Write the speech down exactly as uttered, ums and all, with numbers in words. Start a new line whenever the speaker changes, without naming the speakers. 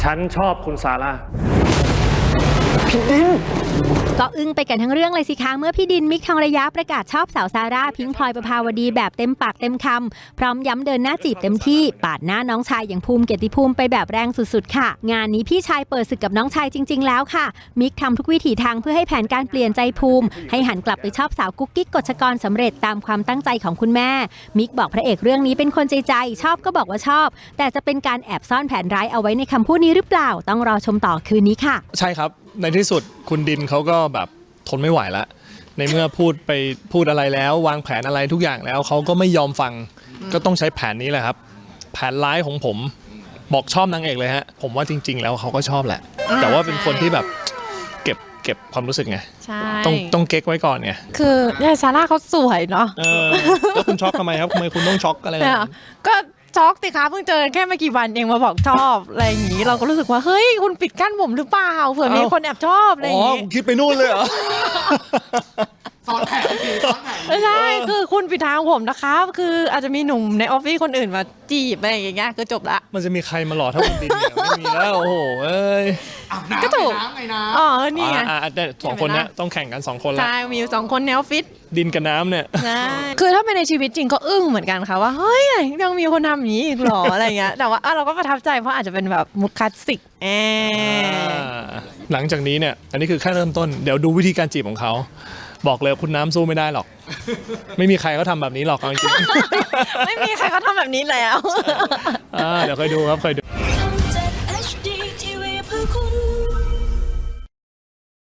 ฉันชอบคุณซาร่า
พี่ดิน
ก็อึ้งไปกันทั้งเรื่องเลยสิคะเมื่อพี่ดินมิกทองระยะประกาศชอบสาวซาร่าพิงค์พลอยประภาวดีแบบเต็มปากเต็มคำพร้อมย้ำเดินหน้าจีบเต็มที่ปาดหน้าน้องชายอย่างภูมิเกียรติภูมิไปแบบแรงสุดๆค่ะงานนี้พี่ชายเปิดศึกกับน้องชายจริงๆแล้วค่ะมิกทำทุกวิถีทางเพื่อให้แผนการเปลี่ยนใจภูมิให้หันกลับไปชอบสาวกุ๊กกิ๊กกฎชกรสำเร็จตามความตั้งใจของคุณแม่มิกบอกพระเอกเรื่องนี้เป็นคนใจใจชอบก็บอกว่าชอบแต่จะเป็นการแอบซ่อนแผนร้ายเอาไว้ในคำพูดนี้หรือเปล่าต้องรอชมต่อคืนนี้ค่ะ
ใช่ครับในที่สุดคุณดินเขาก็แบบทนไม่ไหวแล้วในเมื่อพูดไปพูดอะไรแล้ววางแผนอะไรทุกอย่างแล้วเขาก็ไม่ยอมฟังก็ต้องใช้แผนนี้แหละครับแผนร้ายของผมบอกชอบนางเอกเลยฮะผมว่าจริงๆแล้วเขาก็ชอบแหละแต่ว่าเป็นคนที่แบบเก็บเก็บความรู้สึกไงต้องต้องเก๊กไว้ก่อนไง
คือเนี่ยซาร่าเขาสวยเนาะ
แล้วคุณช็อกทำไมครับทำไมคุณต้องช็อกอะไร
ก็ช็อกสิคะเพิ่งเจอแค่ไม่กี่วันเองมาบอกชอบอะไรอย่างนี้เราก็รู้สึกว่าเฮ้ยคุณปิดกั้นผมหรือเปล่าเผื่อมีคนแอบชอบอะไรอย่างนี้
คิดไปนู่นเลยเหรอ
ซ้อนแผนดีซ้อนแผน
ไม่ใช่คือคุณปิดทางผมนะคะคืออาจจะมีหนุ่มในออฟฟิศคนอื่นมาจีบอะไรอย่างเงี้ยก็จบละ
มันจะมีใครมาหล่อเท่าคุณดินเนี่ยไม่มีแล้วโอ้โหเอ้ย
ก็ถูก
ไงนะ
อ๋อนี่ไง
สองคนเนี้ยต้องแข่งกันสองคนละ
ใช่มีอยู่สองคนในออฟฟิศ
ดินกับน้ำเนี่ย
ใช่คือถ้าเป็นในชีวิตจริงก็อึ้งเหมือนกันค่ะว่าเฮ้ยยังมีคนทำอย่างนี้อีกหรออะไรเงี้ยแต่ว่าเราก็ประทับใจเพราะอาจจะเป็นแบบมุกคลาสสิกแอ
หลังจากนี้เนี่ยอันนี้คือแค่เริ่มต้นเดี๋ยวดูวิธีการจีบของเขาบอกเลยคุณน้ำสู้ไม่ได้หรอกไม่มีใครเขาทำแบบนี้หรอกจริง
ไม่มีใครเขาทำแบบนี้แล้ว
เดี๋ยวเคยดูครับเคยดู